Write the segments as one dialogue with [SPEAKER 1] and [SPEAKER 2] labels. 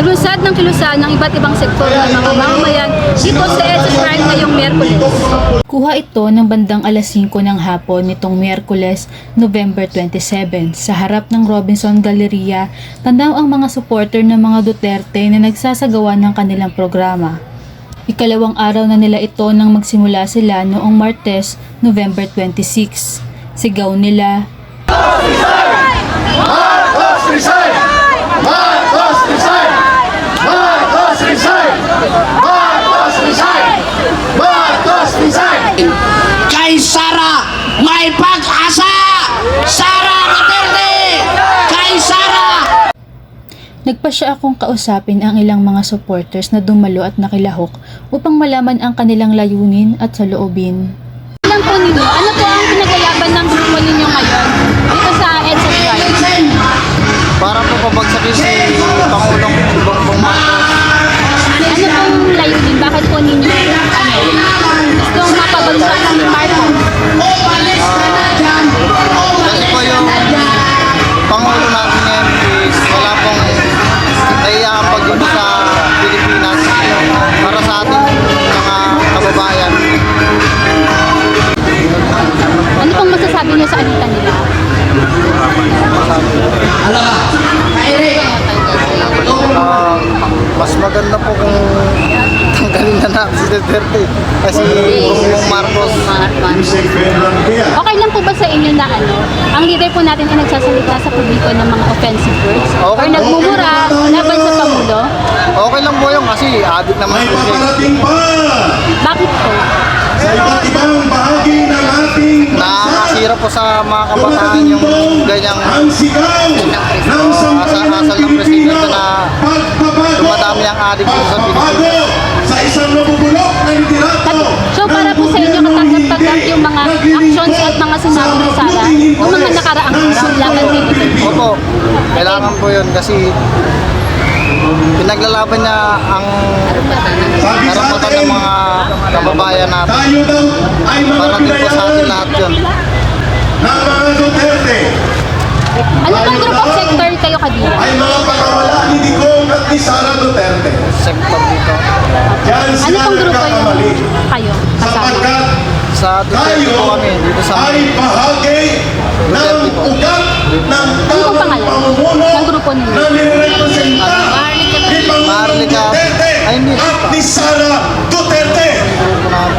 [SPEAKER 1] Lulusad ng kilusan ng iba't ibang sektor ng mga mamamayan dito sa EDSA Shrine ngayong Miyerkules.
[SPEAKER 2] Kuha ito ng bandang alas 5 ng hapon nitong Miyerkules, November 27. Sa harap ng Robinson Galleria, tanaw ang mga supporter ng mga Duterte na nagsasagawa ng kanilang programa. Ikalawang araw na nila ito nang magsimula sila noong Martes, November 26. Sigaw nila,
[SPEAKER 3] Marcos resign! Marcos resign! Marcos resign! Marcos resign! Marcos resign!
[SPEAKER 4] Kay Sara may pag-asa! Sara Duterte! Kay Sara!
[SPEAKER 2] nagpasya akong kausapin ang ilang mga supporters na dumalo at nakilahok upang malaman ang kanilang layunin at saloobin.
[SPEAKER 1] Alam po ninyo, ano po ang pinaglaban ng grupo ninyo ngayon dito sa EDSA Shrine?
[SPEAKER 5] Para po pabagsakin si Pangulong Bongbong Marcos.
[SPEAKER 1] Ano pong layunin? Bakit po ninyo gustong mapabagsak ng Marcos?
[SPEAKER 5] Kasi po yung Pangulo natin ngayon is wala pong kayang pag-ibig sa Pilipinas para sa ating mga kababayan.
[SPEAKER 1] Ano pong masasabi niyo sa alitan nila?
[SPEAKER 5] Mas maganda po kung tanggalin na natin si Duterte kasi Bongbong Marcos.
[SPEAKER 1] Okay lang po ba sa inyo na ang leader po natin ay nagsasalita sa publiko ng mga offensive words?
[SPEAKER 5] Okay.
[SPEAKER 1] Or nagmumura laban sa Pangulo?
[SPEAKER 5] Okay lang po yun kasi adik naman
[SPEAKER 3] May
[SPEAKER 5] po siya.
[SPEAKER 3] paparating pa
[SPEAKER 1] Bakit po?
[SPEAKER 3] sa iba't ibang bahagi ng ating
[SPEAKER 5] Nakakasira po sa mga kabataan yung ganyang
[SPEAKER 3] ang sigaw ng
[SPEAKER 5] asal ng presidente na
[SPEAKER 3] pagbabago
[SPEAKER 5] dumadami ang adik dito sa
[SPEAKER 3] pagbabago
[SPEAKER 5] Pilipinas.
[SPEAKER 3] sa isang nabubulok na liderato.
[SPEAKER 1] So para po sa inyo katanggap-tanggap yung mga actions at mga sinabi ni Sara yung mga nakaraang araw laban kay Duterte?
[SPEAKER 5] Opo, kailangan po yun kasi pinaglalaban niya ang
[SPEAKER 3] Sabi sa
[SPEAKER 5] karapatan
[SPEAKER 3] atin,
[SPEAKER 5] ng mga kababayan natin.
[SPEAKER 3] tayo daw ay mga
[SPEAKER 5] Para din po sa atin
[SPEAKER 3] pinayaran
[SPEAKER 5] lahat yun.
[SPEAKER 3] ng mga Duterte
[SPEAKER 1] Ano pong group of sector kayo kabila?
[SPEAKER 3] ay mga pagkawala ni Digong at ni Sara Duterte.
[SPEAKER 5] Sektor dito.
[SPEAKER 3] Diyan
[SPEAKER 1] Ano
[SPEAKER 3] sila
[SPEAKER 1] pong grupo
[SPEAKER 3] nagkakamali.
[SPEAKER 1] kayo kasama?
[SPEAKER 3] Sapagkat
[SPEAKER 5] Sa Duterte
[SPEAKER 3] tayo
[SPEAKER 5] po kami dito sa
[SPEAKER 3] ay bahagi ng ugat ng
[SPEAKER 1] Ano pong
[SPEAKER 3] tamang
[SPEAKER 1] pangalan
[SPEAKER 3] pamumuno
[SPEAKER 1] ng grupo ninyo?
[SPEAKER 3] na nirepresenta ni Pangulong
[SPEAKER 5] Marlica.
[SPEAKER 3] Duterte
[SPEAKER 5] Ay, hindi.
[SPEAKER 3] at ni Sara Duterte.
[SPEAKER 5] grupo namin.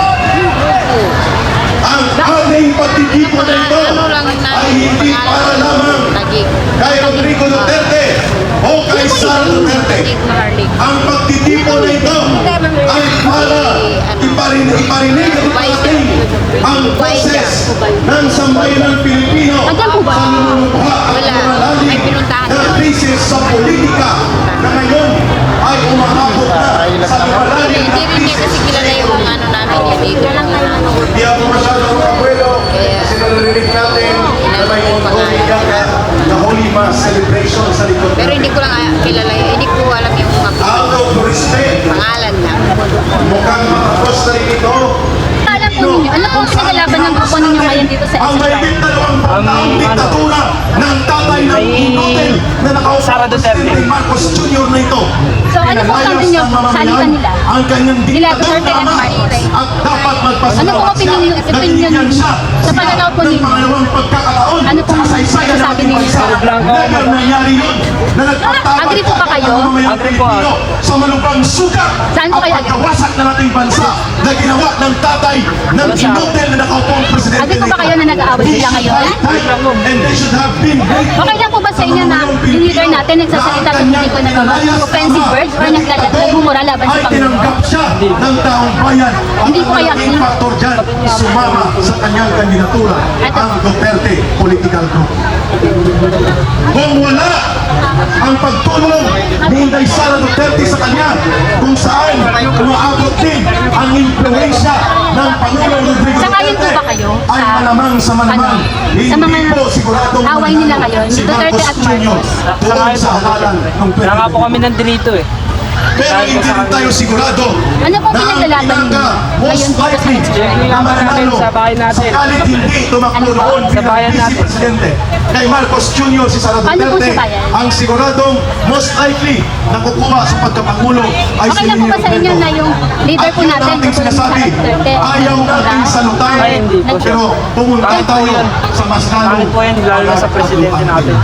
[SPEAKER 3] Ang ating pagtitipon na ito ay hindi para lamang kay Rodrigo Duterte o kay Sara Duterte. Ang pagtitipon na ito ay para iparinig at iparating ang boses ng sambayanang Pilipino
[SPEAKER 1] Ayan po ba?
[SPEAKER 3] sa lumulukha at lumalalim na krisis sa politika na ngayon ay umaabot na sa lumalalim na krisis sa ekonomiya. Hindi ako masyadong abuelo kasi narinig natin na may ongoing ganga na Holy Mass celebration sa likod.
[SPEAKER 6] Pero hindi ko lang kilala, hindi ko alam yung mga
[SPEAKER 3] Out of respect,
[SPEAKER 6] pangalan niya.
[SPEAKER 3] mukhang matapos na rin ito.
[SPEAKER 1] Alam po ninyo, ano pong pinaglaban ng grupo ninyo ngayon dito sa
[SPEAKER 3] Ang
[SPEAKER 1] EDSA
[SPEAKER 3] may
[SPEAKER 1] Shrine?
[SPEAKER 3] dalawang taong diktatura ng tatay ng Inotel na nakaupo ang Presidente Marcos Jr. na ito.
[SPEAKER 1] So ano pong sabi niyo sa alitan nila?
[SPEAKER 3] Ang kanyang
[SPEAKER 1] Nila
[SPEAKER 3] diktador
[SPEAKER 1] Duterte and
[SPEAKER 3] na
[SPEAKER 1] Marcos.
[SPEAKER 3] at dapat
[SPEAKER 1] Ano
[SPEAKER 3] magpasalamat
[SPEAKER 1] pong opinion niyo
[SPEAKER 3] siya
[SPEAKER 1] sa pananaw po
[SPEAKER 3] ng
[SPEAKER 1] ninyo?
[SPEAKER 3] pangalawang pagkakataon
[SPEAKER 1] Ano pong
[SPEAKER 3] sa kasaysayan ng
[SPEAKER 1] masasabi
[SPEAKER 3] ating
[SPEAKER 1] ninyo?
[SPEAKER 3] bansa. Never nangyari yun na nagpatawag
[SPEAKER 1] Agree po ba kayo?
[SPEAKER 3] ang mamamayang Pilipino sa malubhang sugat
[SPEAKER 1] Saan po
[SPEAKER 3] at
[SPEAKER 1] kayo agree?
[SPEAKER 3] pagkawasak ng ating bansa na ginawa ng tatay ng Inotel na nakaupo ang Presidente
[SPEAKER 1] Agree po ba kayo na nag-aaway sila ngayon?
[SPEAKER 3] And they should have been grateful.
[SPEAKER 1] Okay lang po ba sa inyo na yung leader natin nagsasalita sa publiko ng mga offensive words or nagmumura laban sa
[SPEAKER 3] ay
[SPEAKER 1] Pangulo?
[SPEAKER 3] tinanggap siya ng taong bayan.
[SPEAKER 1] Hindi po kaya-
[SPEAKER 3] Ang naging factor dyan, sumama sa kanyang kandidatura ang Duterte Political Group. Kung wala ang pagtulong ni Inday Sara Duterte sa kanya, kung saan umaabot din ang impluensya ng Pangulong Rodrigo
[SPEAKER 1] Sangayon po
[SPEAKER 3] Duterte,
[SPEAKER 1] ba kayo
[SPEAKER 3] ay
[SPEAKER 1] sa-
[SPEAKER 3] malamang sa malamang.
[SPEAKER 1] sa mga
[SPEAKER 3] Hindi po siguradong
[SPEAKER 1] away nila ngayon,
[SPEAKER 3] si
[SPEAKER 1] Duterte
[SPEAKER 3] Marcos
[SPEAKER 1] at
[SPEAKER 3] Jr.
[SPEAKER 1] Marcos?
[SPEAKER 3] doon sa halalan ng
[SPEAKER 7] Kaya nga po
[SPEAKER 3] 2021.
[SPEAKER 7] kami nandito eh.
[SPEAKER 3] Pero hindi rin tayo sigurado
[SPEAKER 1] Ano pong
[SPEAKER 3] na ang
[SPEAKER 1] pinaglalaban ninyo
[SPEAKER 3] most
[SPEAKER 1] ngayon dito sa
[SPEAKER 3] likely
[SPEAKER 1] election?
[SPEAKER 3] na mananalo sakalit hindi tumakbo noon bilang Vice Presidente kay Marcos Jr. si Sara
[SPEAKER 1] Ano po
[SPEAKER 3] Duterte,
[SPEAKER 1] sa bayan?
[SPEAKER 3] ang siguradong most likely na kukuha sa pagkapangulo ay
[SPEAKER 1] Okay
[SPEAKER 3] si
[SPEAKER 1] lang po ba
[SPEAKER 3] Lenin
[SPEAKER 1] sa inyo
[SPEAKER 3] Robredo.
[SPEAKER 1] na yung leader po
[SPEAKER 3] At yun
[SPEAKER 1] natin,
[SPEAKER 3] natin sinasabi,
[SPEAKER 1] Sara Duterte,
[SPEAKER 3] ayaw natin salutay, pero pumunta tayo sa mas lalong
[SPEAKER 7] po yan, lalo na sa presidente natin.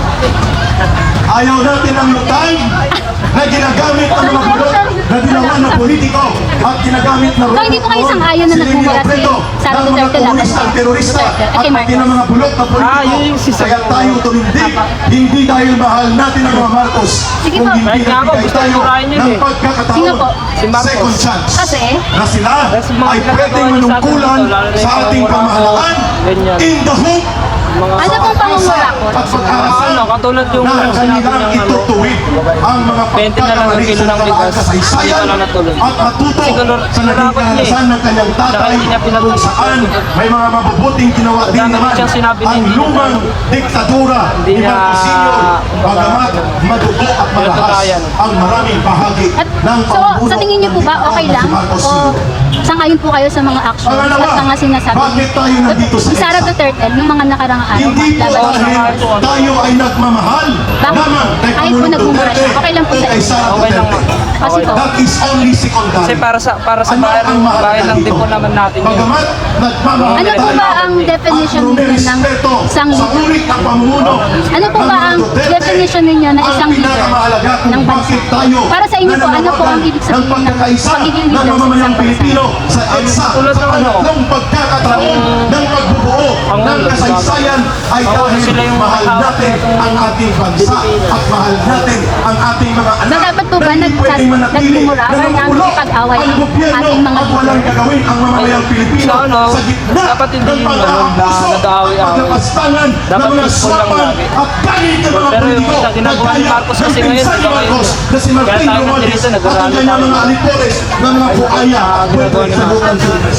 [SPEAKER 3] ayaw natin ang lutay na ginagamit ng mga bulok na ginawa ng politiko at ginagamit na
[SPEAKER 1] So, hindi po kayo sang-ayon na nagmumura si Sara
[SPEAKER 3] ng mga
[SPEAKER 1] Duterte laban
[SPEAKER 3] komunistang
[SPEAKER 1] kay
[SPEAKER 3] terorista
[SPEAKER 1] Duterte at
[SPEAKER 3] at
[SPEAKER 1] kay
[SPEAKER 3] pati ng
[SPEAKER 1] Marcos?
[SPEAKER 3] mga bulok na politiko.
[SPEAKER 7] yun yung sisa-
[SPEAKER 3] Kaya tayo tumindig, hindi dahil mahal natin ang mga Marcos,
[SPEAKER 1] Sige
[SPEAKER 3] kung
[SPEAKER 1] po.
[SPEAKER 3] hindi
[SPEAKER 7] Kahit nga po,
[SPEAKER 3] nagbigay
[SPEAKER 7] gusto
[SPEAKER 3] tayo
[SPEAKER 7] murahin yun
[SPEAKER 3] ng
[SPEAKER 7] eh.
[SPEAKER 3] pagkakataon,
[SPEAKER 1] Sino po?
[SPEAKER 7] Si Marcos.
[SPEAKER 3] second chance,
[SPEAKER 1] Kasi?
[SPEAKER 3] na sila
[SPEAKER 7] Kasi mga
[SPEAKER 3] ay
[SPEAKER 7] pinagagawa
[SPEAKER 3] pwedeng
[SPEAKER 7] niya sa atin
[SPEAKER 3] manungkulan
[SPEAKER 7] dito, lalo na
[SPEAKER 3] sa
[SPEAKER 7] yung
[SPEAKER 3] ating
[SPEAKER 7] mga
[SPEAKER 3] pamahalaan
[SPEAKER 7] ganyan.
[SPEAKER 3] in the hope
[SPEAKER 1] Ano pong pangungurakot?
[SPEAKER 3] at pag-aasal
[SPEAKER 7] katulad yung
[SPEAKER 3] na
[SPEAKER 7] sinabi
[SPEAKER 3] kanilang
[SPEAKER 7] niyang
[SPEAKER 3] itutuwid ang mga
[SPEAKER 7] 20 na lang ang
[SPEAKER 3] pagkakamali
[SPEAKER 7] kilo
[SPEAKER 3] sa
[SPEAKER 7] ng
[SPEAKER 3] nakaraang
[SPEAKER 7] bigas.
[SPEAKER 3] kasaysayan
[SPEAKER 7] Hindi pa na natuloy.
[SPEAKER 3] at matuto
[SPEAKER 7] Kasi
[SPEAKER 3] sa naging
[SPEAKER 7] kinurapat niya eh.
[SPEAKER 3] karanasan ng kanyang tatay
[SPEAKER 7] Dahil hindi niya
[SPEAKER 3] kung
[SPEAKER 7] pinatuloy.
[SPEAKER 3] saan may mga mabubuting ginawa din
[SPEAKER 7] Dami
[SPEAKER 3] naman
[SPEAKER 7] siyang sinabi
[SPEAKER 3] ang
[SPEAKER 7] din,
[SPEAKER 3] lumang diktadura
[SPEAKER 7] Hindi
[SPEAKER 3] ni
[SPEAKER 7] niya,
[SPEAKER 3] Marcos Sr. Bagamat madugo at malahas
[SPEAKER 7] pinatutayan.
[SPEAKER 3] ang maraming bahagi
[SPEAKER 1] At,
[SPEAKER 3] ng
[SPEAKER 1] so,
[SPEAKER 3] pamumuno
[SPEAKER 1] sa tingin niyo po ba okay lang? O sangayon po kayo sa mga actions
[SPEAKER 3] Pangalawa,
[SPEAKER 1] at mga sinasabi
[SPEAKER 3] bakit tayo nandito sa
[SPEAKER 1] ni Sara
[SPEAKER 3] EDSA?
[SPEAKER 1] Duterte nung mga nakarang araw
[SPEAKER 3] Hindi po
[SPEAKER 1] laban kay
[SPEAKER 3] dahil
[SPEAKER 1] Marcos?
[SPEAKER 3] tayo ay nagmamahal
[SPEAKER 1] Bakit?
[SPEAKER 3] lamang kay
[SPEAKER 1] Kahit po
[SPEAKER 3] Pangulong
[SPEAKER 1] nagmumura
[SPEAKER 3] Duterte
[SPEAKER 1] siya, okay lang po
[SPEAKER 3] o
[SPEAKER 1] sa
[SPEAKER 3] kay
[SPEAKER 1] inyo.
[SPEAKER 3] Sara
[SPEAKER 7] Okay lang
[SPEAKER 3] Duterte.
[SPEAKER 7] po.
[SPEAKER 1] Kasi po,
[SPEAKER 3] That is only secondary.
[SPEAKER 7] Kasi para sa
[SPEAKER 3] Ano
[SPEAKER 7] bayan,
[SPEAKER 3] ang mahalaga
[SPEAKER 7] bayan lang din
[SPEAKER 3] dito?
[SPEAKER 7] po naman natin yun.
[SPEAKER 3] Bagamat nagmamahal
[SPEAKER 1] ano po
[SPEAKER 3] tayo
[SPEAKER 1] ba ang definition
[SPEAKER 3] at
[SPEAKER 1] ninyo ng
[SPEAKER 3] rumerespeto
[SPEAKER 1] isang
[SPEAKER 3] sa
[SPEAKER 1] leader?
[SPEAKER 3] ulit ng pamumuno
[SPEAKER 1] Ano po
[SPEAKER 3] ng
[SPEAKER 1] ba
[SPEAKER 3] mga
[SPEAKER 1] ang
[SPEAKER 3] Duterte
[SPEAKER 1] definition ninyo ng isang
[SPEAKER 3] ang
[SPEAKER 1] leader
[SPEAKER 3] pinakamahalaga kung
[SPEAKER 1] ng bansa?
[SPEAKER 3] bakit tayo
[SPEAKER 1] Para sa inyo po, ano po ang
[SPEAKER 3] nananawagan
[SPEAKER 1] ibig sabihin
[SPEAKER 3] ng pagkakaisa
[SPEAKER 1] ng pagiging
[SPEAKER 3] ng
[SPEAKER 1] leader sa
[SPEAKER 3] mamamayang
[SPEAKER 1] isang bansa?
[SPEAKER 3] Pilipino sa EDSA
[SPEAKER 7] tulad
[SPEAKER 3] sa
[SPEAKER 7] ng ano?
[SPEAKER 3] pangatlong pagkakataon ng pagbubuo ng kasaysayan ay dahil
[SPEAKER 7] sila yung
[SPEAKER 3] mahal natin ang ating bansa at mahal natin ang ating mga anak
[SPEAKER 1] So, dapat po ba
[SPEAKER 3] na hindi pwedeng manatili
[SPEAKER 1] nagmumura
[SPEAKER 3] na
[SPEAKER 1] or
[SPEAKER 3] namumulok
[SPEAKER 1] nakikipag-away
[SPEAKER 3] ang gobyerno
[SPEAKER 1] ating mga
[SPEAKER 3] at walang
[SPEAKER 1] leader?
[SPEAKER 3] gagawin ang mamamayang Pilipino
[SPEAKER 7] Sa ano,
[SPEAKER 3] sa gitna
[SPEAKER 7] dapat hindi
[SPEAKER 3] ng
[SPEAKER 7] yung
[SPEAKER 3] pag-aabuso
[SPEAKER 7] ganun na nag-aaway-away.
[SPEAKER 3] at paglapastangan ng
[SPEAKER 7] Dapat
[SPEAKER 3] mga
[SPEAKER 7] peaceful lang
[SPEAKER 3] swapan
[SPEAKER 7] lagi.
[SPEAKER 3] at galit ng mga
[SPEAKER 7] Pero yung
[SPEAKER 3] politiko
[SPEAKER 7] sa ginagawa ni Marcos kasi
[SPEAKER 3] ng
[SPEAKER 7] ngayon,
[SPEAKER 3] pinsan ni
[SPEAKER 7] iba ngayon.
[SPEAKER 3] Marcos na si Martin
[SPEAKER 7] Kaya tayo
[SPEAKER 3] Romualdez
[SPEAKER 7] nandito,
[SPEAKER 3] at ang
[SPEAKER 7] nag-aralo
[SPEAKER 3] kanyang
[SPEAKER 7] tayo.
[SPEAKER 3] mga alipores ng mga buaya
[SPEAKER 7] ginagawa ni
[SPEAKER 3] sa loob ng Pilipinas.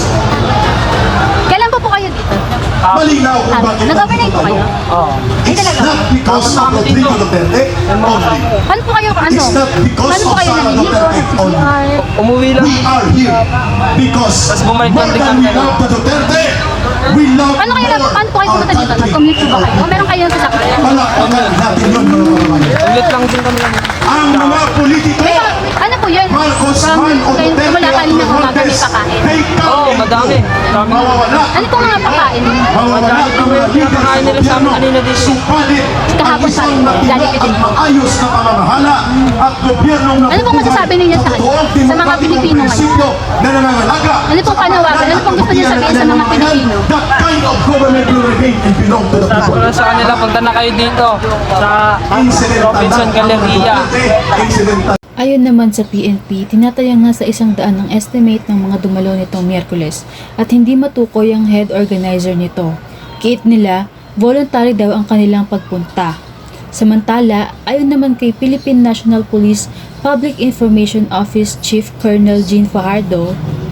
[SPEAKER 1] Kailan po kayo dito?
[SPEAKER 3] Malinaw kung bakit
[SPEAKER 1] Nag-overnight po kayo?
[SPEAKER 7] Oo.
[SPEAKER 3] It's not because of Rodrigo Duterte only.
[SPEAKER 1] Paano po kayo, ano?
[SPEAKER 3] It's not because
[SPEAKER 1] Paano po
[SPEAKER 3] of
[SPEAKER 1] kayo
[SPEAKER 3] Sara
[SPEAKER 1] naliligo sa
[SPEAKER 3] Duterte only.
[SPEAKER 1] CR?
[SPEAKER 7] Umuwi lang.
[SPEAKER 3] We are here because
[SPEAKER 7] Tapos bumalik
[SPEAKER 3] more
[SPEAKER 7] lang din
[SPEAKER 3] than
[SPEAKER 7] kami
[SPEAKER 3] we love the Duterte, we love
[SPEAKER 1] Paano po kayo
[SPEAKER 3] our
[SPEAKER 1] pumunta dito?
[SPEAKER 3] country.
[SPEAKER 1] Nag-commute po ba kayo? O meron kayong sasakyan?
[SPEAKER 3] Palakpakan natin yun, mga kababayan.
[SPEAKER 7] Ulit lang din kami lang.
[SPEAKER 3] Ang mga politiko,
[SPEAKER 1] Ano po yun?
[SPEAKER 3] Marcos
[SPEAKER 1] From
[SPEAKER 3] man o
[SPEAKER 1] kayo
[SPEAKER 3] Duterte
[SPEAKER 1] mula
[SPEAKER 3] at
[SPEAKER 1] kanina umaga may
[SPEAKER 3] Romualdez,
[SPEAKER 1] pakain.
[SPEAKER 3] they come
[SPEAKER 7] Oo,
[SPEAKER 3] and
[SPEAKER 7] madami.
[SPEAKER 3] go.
[SPEAKER 7] Dami.
[SPEAKER 3] Mawawala.
[SPEAKER 1] Ano po mga pakain?
[SPEAKER 3] Mawawala ang mga leader sa
[SPEAKER 7] Pinapakain nila sa amin
[SPEAKER 3] gobyerno.
[SPEAKER 7] kanina dito.
[SPEAKER 3] Subalit, ang
[SPEAKER 1] Kahapon
[SPEAKER 3] isang
[SPEAKER 1] pa,
[SPEAKER 3] matina
[SPEAKER 1] Jollibee
[SPEAKER 3] at
[SPEAKER 1] din.
[SPEAKER 3] maayos na pamamahala at gobyernong
[SPEAKER 1] Ano pong masasabi ninyo sa
[SPEAKER 3] totoong
[SPEAKER 1] sa mga
[SPEAKER 3] demokratikong
[SPEAKER 1] Pilipino ngayon?
[SPEAKER 3] prinsipyo na nangangalaga
[SPEAKER 1] Ano pong panawagan? Ano pong gusto niyo sabihin sa mga Pilipino?
[SPEAKER 3] That kind of government will remain and belong to the people.
[SPEAKER 7] Pero sa kanila, punta na kayo dito sa
[SPEAKER 3] Incidental
[SPEAKER 7] Robinson
[SPEAKER 3] lang ang
[SPEAKER 7] Galleria.
[SPEAKER 3] Duterte, incidental.
[SPEAKER 2] Ayon naman sa PNP, tinatayang nga sa 100 ang estimate ng mga dumalo nitong Miyerkules at hindi matukoy ang head organizer nito. Kiit nila, voluntary daw ang kanilang pagpunta. Samantala, ayon naman kay Philippine National Police Public Information Office Chief Colonel Jean Fajardo,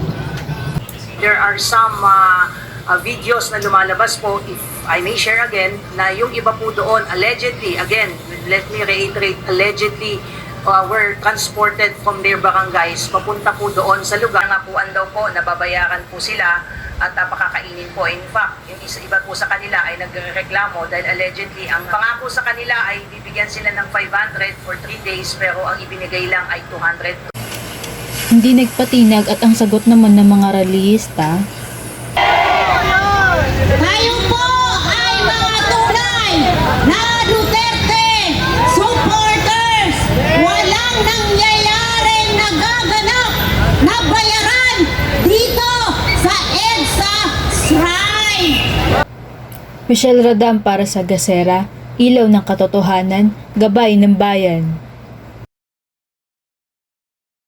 [SPEAKER 8] there are some videos na lumalabas po, if I may share again, na yung iba po doon, allegedly, again, let me reiterate, allegedly, were transported from their barangays papunta po doon sa lugar. Nangapuan daw po, nababayaran po sila at pakakainin po. In fact, yung iba po sa kanila ay nagreklamo dahil allegedly, ang pangako sa kanila ay bibigyan sila ng 500 for 3 days pero ang ibinigay lang ay 200.
[SPEAKER 2] hindi nagpatinag at ang sagot naman ng mga rallyista,
[SPEAKER 9] Tayo po ay mga tunay na Duterte supporters. Walang nangyayaring nagaganap na bayaran dito sa EDSA Shrine.
[SPEAKER 2] Michelle Radam para sa Gasera, Ilaw ng Katotohanan, Gabay ng Bayan.